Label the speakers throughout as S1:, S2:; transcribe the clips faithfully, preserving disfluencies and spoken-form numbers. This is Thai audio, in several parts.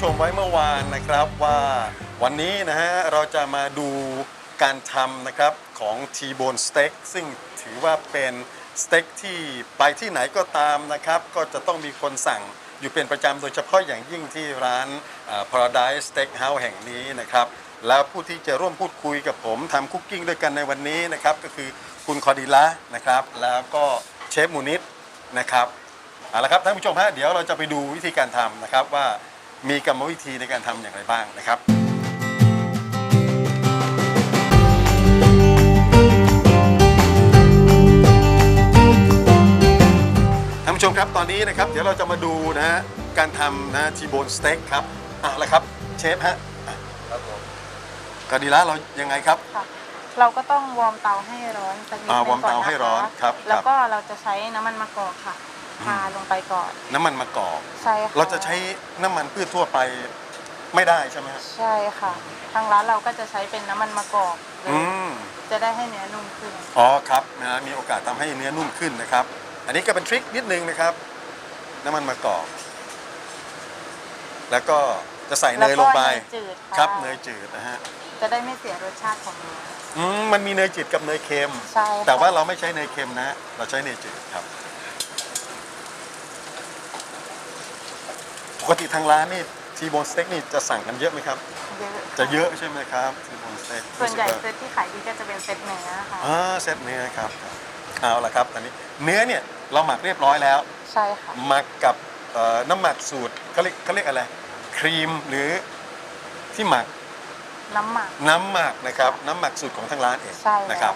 S1: มไว้เมื่อวานนะครับว่าวันนี้นะฮะเราจะมาดูการทำนะครับของ T-bone steak ซึ่งถือว่าเป็นสเต็กที่ไปที่ไหนก็ตามนะครับก็จะต้องมีคนสั่งอยู่เป็นประจำโดยเฉพาะอย่างยิ่งที่ร้าน Paradise Steakhouse แห่งนี้นะครับแล้วผู้ที่จะร่วมพูดคุยกับผมทำคุกกิ้งด้วยกันในวันนี้นะครับก็คือคุณคอดีละนะครับแล้วก็เชฟมูนิดนะครับเอาละครับท่านผู้ชมฮะเดี๋ยวเราจะไปดูวิธีการทำนะครับว่ามีกรรมวิธีในการทำอย่างไรบ้างนะครับท่านผู้ชมครับตอนนี้นะครับเดี๋ยวเราจะมาดูนะฮะการทำนะทีโบนสเต็กครับเอาละครับเชฟฮะครับผมคอดีละเรายังไงครับ
S2: เราก็ต้องวอร์มเตาให้ร้อนสักนิดนึงก่อนนะคะแล้วก็เราจะใช้น้ำมันมะกอกค่ะทาลงไปก่อน
S1: น้ำมันมะกอก
S2: ใช่ค่ะ
S1: เราจะใช้น้ำมันพืชทั่วไปไม่ได้ใช่ไหมครับ
S2: ใช่ค่ะทางร้านเราก็จะใช้เป็นน้ำมันมะกอกเลยจะได้ให้เนื้อนุ่มขึ้น
S1: อ๋อครับนะมีโอกาสทำให้เนื้อนุ่มขึ้นนะครับอันนี้ก็เป็นทริคนิดนึงนะครับน้ำมันมะกอกแล้วก็จะใส่เนยลงไปครับเนยจืดนะฮะ
S2: จะได้ไม่เสียรสชาติของเนื้อ
S1: อืมมันมีเนยจืดกับเนยเค็ม
S2: ใช่
S1: แต่ว่าเราไม่ใช้เนยเค็มนะเราใช้เนยจืดครับปกติทางร้านนี่ทีโบนสเต็กนี่จะสั่งกันเยอะไหมครับ
S2: เยอะ
S1: จะเยอะใช่ไหมครับทีโบนสเต็ก
S2: ส่วนใหญ่เซตที่ขายดีก็จะเป็นเซตเนื้อค่ะ
S1: อ่าเซตเนื้อครับเอาละครับตอนนี้เนื้อเนี่ยเราหมักเรียบร้อยแล้ว
S2: ใช่ค่ะ
S1: หมักกับน้ำหมักสูตรเขาเรียกเขาเรียกอะไรครีมหรือที่หมัก
S2: น้ำหมัก
S1: น้ำหมักนะครับน้ำหมักสูตรของทางร้านเองนะครับ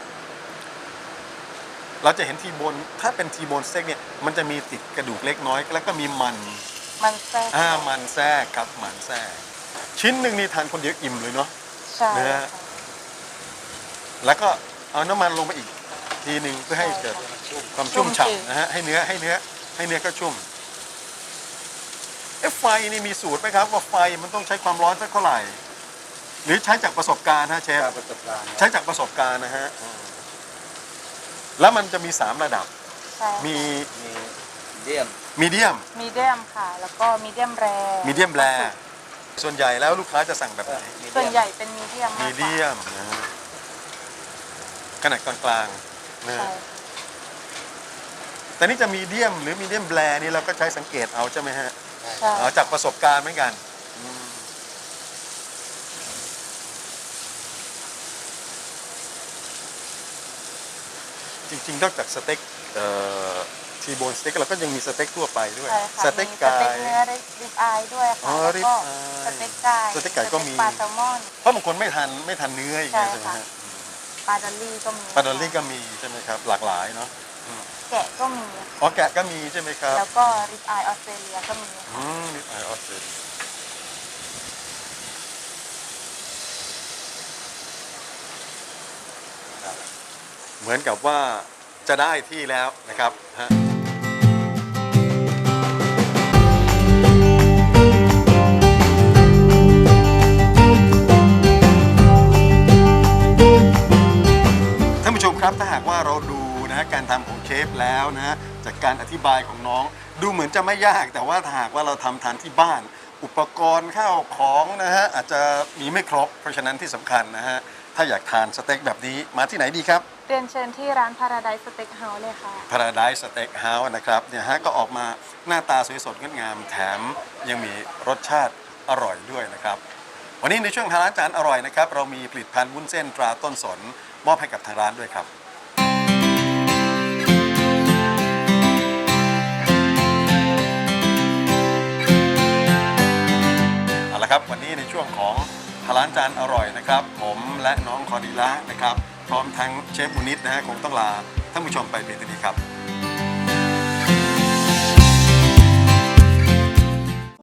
S1: เราจะเห็นทีโบนถ้าเป็นทีโบนสเต็กเนี่ยมันจะมีติดกระดูกเล็กน้อยแล้วก็มีมัน
S2: มันแทรก
S1: อ่ามันแทรกครับมันแทรกชิ้นหนึ่งนี่ทานคนเดียวอิ่มเลยเนาะ
S2: ใช่
S1: นะฮะแล้วก็เอาน้ำมันลงไปอีกทีหนึ่งเพื่อให้เกิดความชุ่มฉ่ำนะฮะให้เนื้อให้เนื้อให้เนื้อก็ชุ่มเอ๊ะไฟนี่มีสูตรไหมครับว่าไฟมันต้องใช้ความร้อนสักเท่าไหร่หรือใช้จากประสบการณ์ฮะเชฟ
S3: ประสบการณ์
S1: ใช้จากประสบการณ์นะฮะแล้วมันจะมีสามระดับมี
S3: มีเดียม
S1: มีเดียม
S2: มีเดียมค่ะแล้วก็มีเดียมแร
S1: มีเดียมแรส่วนใหญ่แล้วลูกค้าจะสั่งแบบไหน
S2: ส่วนใหญ่เป็นมีเดียม
S1: มีเดียมนะฮะขนาดกลางๆนะแต่นี่จะมีเดียมหรือมีเดียมแรนี่เราก็ใช้สังเกตเอาใช่ไหมฮะจากประสบการณ์เหมือนกันจริงๆนอกจากสเต็กทีโบนสเต็กเราก็ยังมีสเต็กทั่วไปด้วย
S2: สเต็กไก่เนื้อริบอายด้วยค่ะแล้วก็สเต็กไก่
S1: สเต็กไก่ก็มี
S2: ปลาแซลมอน
S1: เพราะบางคนไม่ทานไม่ทานเนื้ออย่างเงี้ยใช่ไหมฮะ
S2: ปลาดอลลี่ก็มี
S1: ปลาดอลลี่ก็มีใช่ไหมครับหลากหลายเนาะ
S2: แกะก็มี
S1: อ๋อแกะก็มีใช่ไหมครับ
S2: แล้วก็ริบอายออสเตรเลียก็มี
S1: อืมริบอายออสเตรเลียเหมือนกับว่าจะได้ที่แล้วนะครับฮะท่านผู้ชมครับถ้าหากว่าเราดูนะฮะการทำของเชฟแล้วนะฮะจากการอธิบายของน้องดูเหมือนจะไม่ยากแต่ว่าถ้าหากว่าเราทำทานที่บ้านอุปกรณ์ข้าวของนะฮะอาจจะมีไม่ครบเพราะฉะนั้นที่สำคัญนะฮะถ้าอยากทานสเต็กแบบนี้มาที่ไหนดีครับ
S2: เรียนเชิญที่ร้าน Paradise Steakhouse เลยค่ะ
S1: Paradise Steakhouse นะครับเนี่ยฮะก็ออกมาหน้าตาสวยสดงดงามแถมยังมีรสชาติอร่อยด้วยนะครับวันนี้ในช่วงทางร้านจานอร่อยนะครับเรามีผลิตภัณฑ์วุ้นเส้นตราต้นสนมอบให้กับทางร้านด้วยครับเอาละครับวันนี้ในช่วงของทางร้านจานอร่อยนะครับผมและน้องคอดีละนะครับพร้อมทั้งเชฟมูนิดนะฮะคงต้องลาท่านผู้ชมไปเพียงเท่านี้ครับ